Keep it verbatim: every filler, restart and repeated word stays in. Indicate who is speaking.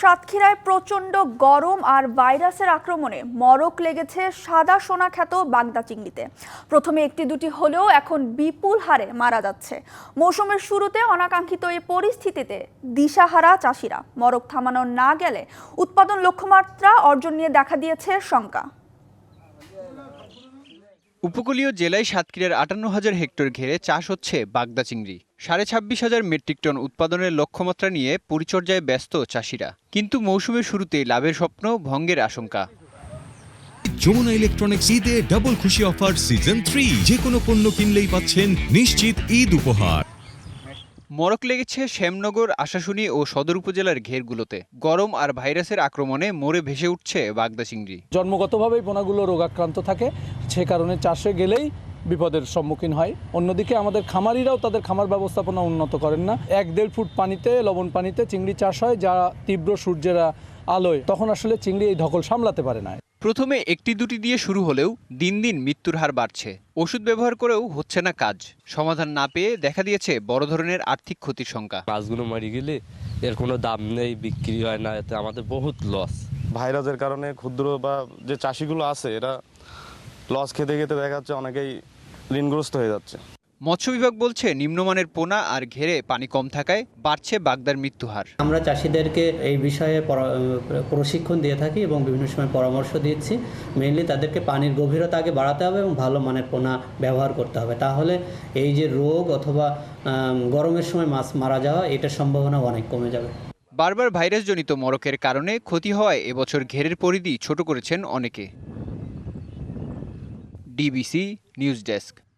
Speaker 1: সাতক্ষীরায় প্রচণ্ড গরম আর ভাইরাসের আক্রমণে মরক লেগেছে সাদা সোনা খ্যাত বাগদা চিংড়িতে। প্রথমে একটি দুটি হলেও এখন বিপুল হারে মারা যাচ্ছে। মৌসুমের শুরুতে অনাকাঙ্ক্ষিত এই পরিস্থিতিতে দিশাহারা চাষিরা। মরক থামানো না গেলে উৎপাদন লক্ষ্যমাত্রা অর্জন নিয়ে দেখা দিয়েছে শঙ্কা।
Speaker 2: উপকূলীয় জেলায় সাতক্ষীরার আটান্ন হাজার হেক্টর ঘেরে চাষ হচ্ছে বাগদা চিংড়ি। সাড়ে ছাব্বিশ হাজার মেট্রিক টন উৎপাদনের লক্ষ্যমাত্রা নিয়ে পরিচর্যায় ব্যস্ত চাষিরা, কিন্তু মৌসুমের শুরুতেই লাভের স্বপ্ন ভঙ্গের আশঙ্কা।
Speaker 3: যমুনা ইলেকট্রনিক্স ঈদে ডাবল খুশি অফার সিজন থ্রি, যে কোনো পণ্য কিনলেই পাচ্ছেন নিশ্চিত ঈদ উপহার।
Speaker 2: মরক লেগেছে শ্যামনগর, আশাশুনি ও সদর উপজেলার ঘেরগুলোতে। গরম আর ভাইরাসের আক্রমণে মরে ভেসে উঠছে বাগদা চিংড়ি।
Speaker 4: জন্মগতভাবেই পোনাগুলো রোগাক্রান্ত থাকে, সে কারণে চাষে গেলেই বিপদের সম্মুখীন হয়। অন্যদিকে আমাদের খামারিরাও তাদের খামার ব্যবস্থাপনা উন্নত করেন না। এক দেড় ফুট পানিতে, লবণ পানিতে চিংড়ি চাষ হয়, যা তীব্র সূর্যের আলোয় তখন আসলে চিংড়ি এই ধকল সামলাতে পারে না।
Speaker 2: প্রথমে একটি দুটি দিয়ে শুরু হলেও দিন দিন মৃত্যুর হার বাড়ছে। ওষুধ ব্যবহার করেও হচ্ছে না কাজ। সমাধান না পেয়ে দেখা দিয়েছে বড় ধরনের আর্থিক ক্ষতির শঙ্কা।
Speaker 5: মাছগুলো মারি গেলে এর কোনো দাম নেই, বিক্রি হয় না, এতে আমাদের বহুত লস।
Speaker 6: ভাইরাসের কারণে ক্ষুদ্র বা যে চাষিগুলো আছে এরা লস খেতে খেতে দেখা যাচ্ছে অনেকেই ঋণগ্রস্ত হয়ে যাচ্ছে।
Speaker 2: মৎস্য বিভাগ বলছে নিম্নমানের পোনা আর ঘেরে পানি কম থাকায় বাড়ছে বাগদার মৃত্যু হার।
Speaker 7: আমরা চাষিদেরকে এই বিষয়ে প্রশিক্ষণ দিয়ে থাকি এবং বিভিন্ন সময় পরামর্শ দিচ্ছি। মেইনলি তাদেরকে পানির গভীরতা আগে বাড়াতে হবে এবং ভালো মানের পোনা ব্যবহার করতে হবে, তাহলে এই যে রোগ অথবা গরমের সময় মাছ মারা যাওয়া, এটার সম্ভাবনা অনেক কমে যাবে।
Speaker 2: বারবার ভাইরাসজনিত মরকের কারণে ক্ষতি হওয়ায় এবছর ঘেরের পরিধি ছোট করেছেন অনেকে। DBC news desk.